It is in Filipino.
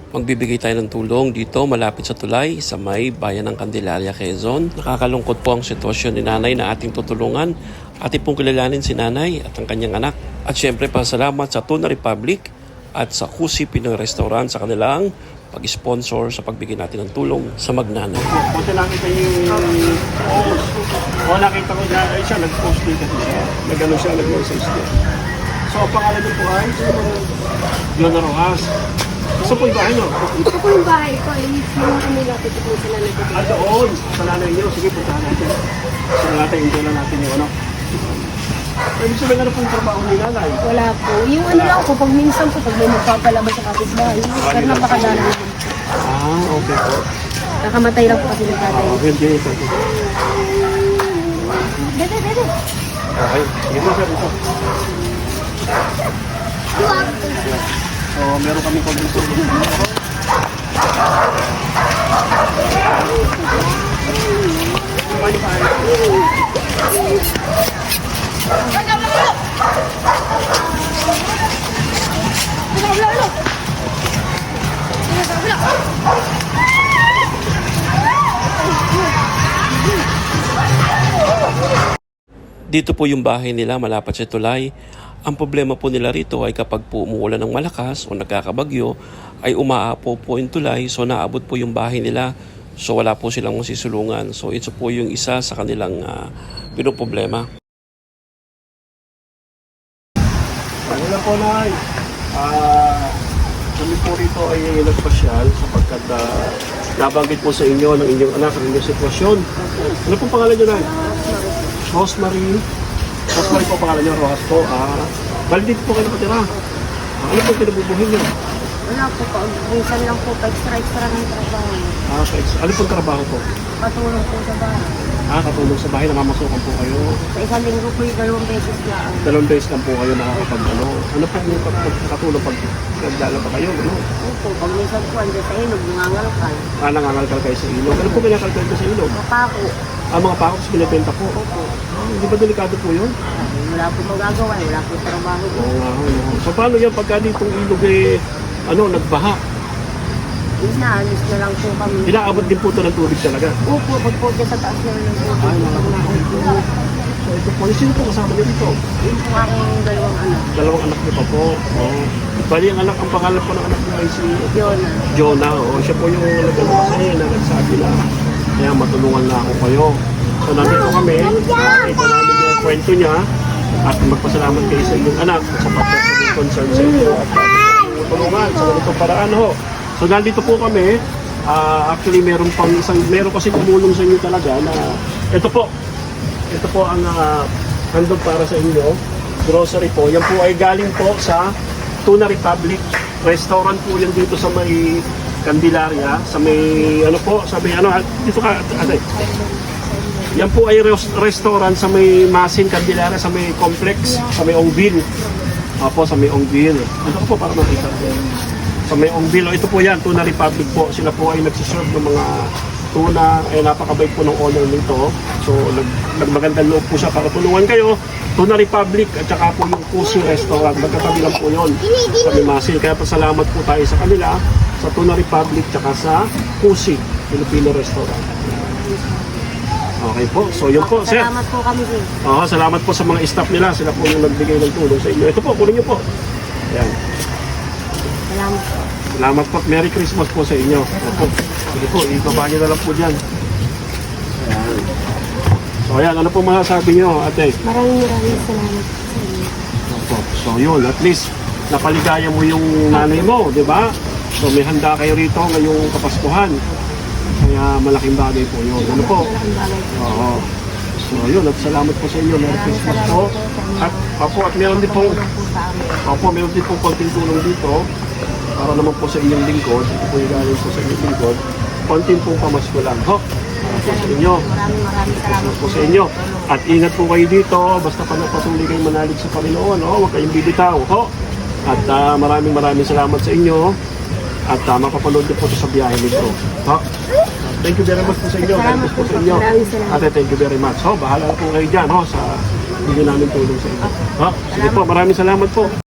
Magbibigay tayo ng tulong dito malapit sa tulay sa may bayan ng Candelaria, Quezon. Nakakalungkot po ang sitwasyon ni nanay na ating tutulungan. Ating pong kilalanin si nanay at ang kanyang anak. At syempre pasalamat sa Tuna Republic at sa Kusi Pinoy Restaurant sa kanilang pag-sponsor sa pagbigay natin ng tulong sa magnanay. Punta lang kita yung post. Nakita ko na siya, nag-post dito siya. Nag-ano siya, nag-message din. So, ang pangalan niyo po ay Leona Rojas. Gusto po yung bahay niyo? Ito po yung bahay ko. Yung kami lapit po sa nanay ko. Doon, sa nanay niyo. Sige, puntahan natin. Sa natin, enjoy lang natin yung ano. Ibig sabihin, ano po yung trabaho ni nanay? Wala po. Yung ano lang po, pag minsan po, pag may magpapalabas sa kapitbahay. Pero napakadala naman po. Okay po. Nakamatay lang po kasi ng tatay. Hindi, ito. Dede. Okay, sige po, sir. Ito. So, meron kami konbinso. Dito po yung bahay nila malapit sa tulay. Ang problema po nila rito ay kapag po umuulan ng malakas o nagkakabagyo ay umaapo po yung tulay, so naabot po yung bahay nila, so wala po silang masisulungan. So ito po yung isa sa kanilang pinoproblema. Wala po na. Kami po rito ay nagpasyal sapagkat nabanggit po sa inyo ng inyong anak ang inyong sitwasyon. Ano pong pangalan nyo na? Rosemary. Rosemary po pangalan nyo, Rojas po. Bali dito po kayo nakatira. Ano po kinabubuhin nyo? Wala po po. Minsan lang po, extra ng trabaho. Ano pong trabaho po? Patulong po sa bahay. Katulong sa bahay, namamasukan po kayo. Sa isang linggo po yung 2 beses lang. 2 days lang po kayo nakakapag-ano. Ano po yung katulong pag naglalaba kayo? Ano? Opo, pag minsan po, andyan sa ilog, nangangalakal. Nangangalkal kayo sa ilog. Ano po kinakalkal ko sa ilog? Mapako. Mga pakos binibenta po. Opo. Hindi ba delikado po yun? Wala po magagawa, wala po trabaho. Oo nga. So paano yan pagka ditong ilog nagbaha? Inaalis na lang po kami. Inaabot din po ito ng tubig talaga. Opo, pag po dyan sa taas na lang po. Pag naupo. So ito po, sino po kasama niyo dito? Yun po aking 2 anak. 2 anak niyo pa po. Bali ang pangalan po ng anak niyo ay si Jonah. Jonah. Siya po yung nagano kasi na nagsabi na kaya matulungan na ako kayo. So nandito kami, ito namin yung kwento niya at magpasalamat kayo sa inyong anak sa pagkakasing concern sa inyo at tulungan sa ganitong paraan ho. So nandito po kami, actually meron kasi tumulong sa inyo talaga na ito po ang handog para sa inyo, grocery po. Yan po ay galing po sa Tuna Republic Restaurant po yan dito sa may Candelaria, sa may dito ka atay. Yan po ay restaurant sa may Masin Candelaria, sa may complex, sa may Ongville. Sa may Ongville. Ito po para makita. Sa may Ongville, ito po yan, Tuna Republic po. Sila po ay nagsiserve ng mga tuna, ay napakabait po ng owner nito. So, nagmagandang loob po siya para tulungan kayo. Tuna Republic at saka po yung Kusi Restaurant. Magkatabi lang po yun sa may Masin. Kaya pasalamat po tayo sa kanila, sa Tuna Republic at saka sa Kusi Filipino Restaurant. Okay po. So, yun po, sir. Salamat po kami, sir. Salamat po sa mga staff nila. Sila po yung nagbigay ng tulong sa inyo. Ito po, kunin niyo po. Ayan. Salamat po. Salamat po. Merry Christmas po sa inyo. Opo. Sige po, ibaba niyo na lang po dyan. Ayan. So, ayan. Ano po masasabi niyo, ate? Maraming salamat sa inyo. Opo. So, yun. At least, napaligaya mo yung nanay mo, di ba? So, may handa kayo rito ngayong Kapaskuhan. Kaya malaking bagay po yun. Ano po? Malaking bagay po. Oo. So, yun. At salamat po sa inyo. Merry Christmas po. At meron din pong meron din pong konting tulong dito para naman po sa inyong lingkod. Ito po yung galing po sa inyong lingkod. Konting pong pamasko lang. Para po sa inyo. Maraming salamat po sa inyo. At ingat po kayo dito. Basta patuloy kayong manalig sa Panginoon. Huwag kayong bibitaw. At maraming salamat sa inyo. At mapapanood din po sa biyahe nito. Thank you very much po sa inyo. Thank po sa inyo. Ate, thank you very much. Bahala po kayo dyan sa hindi namin tulong sa inyo. Sige po, maraming salamat po.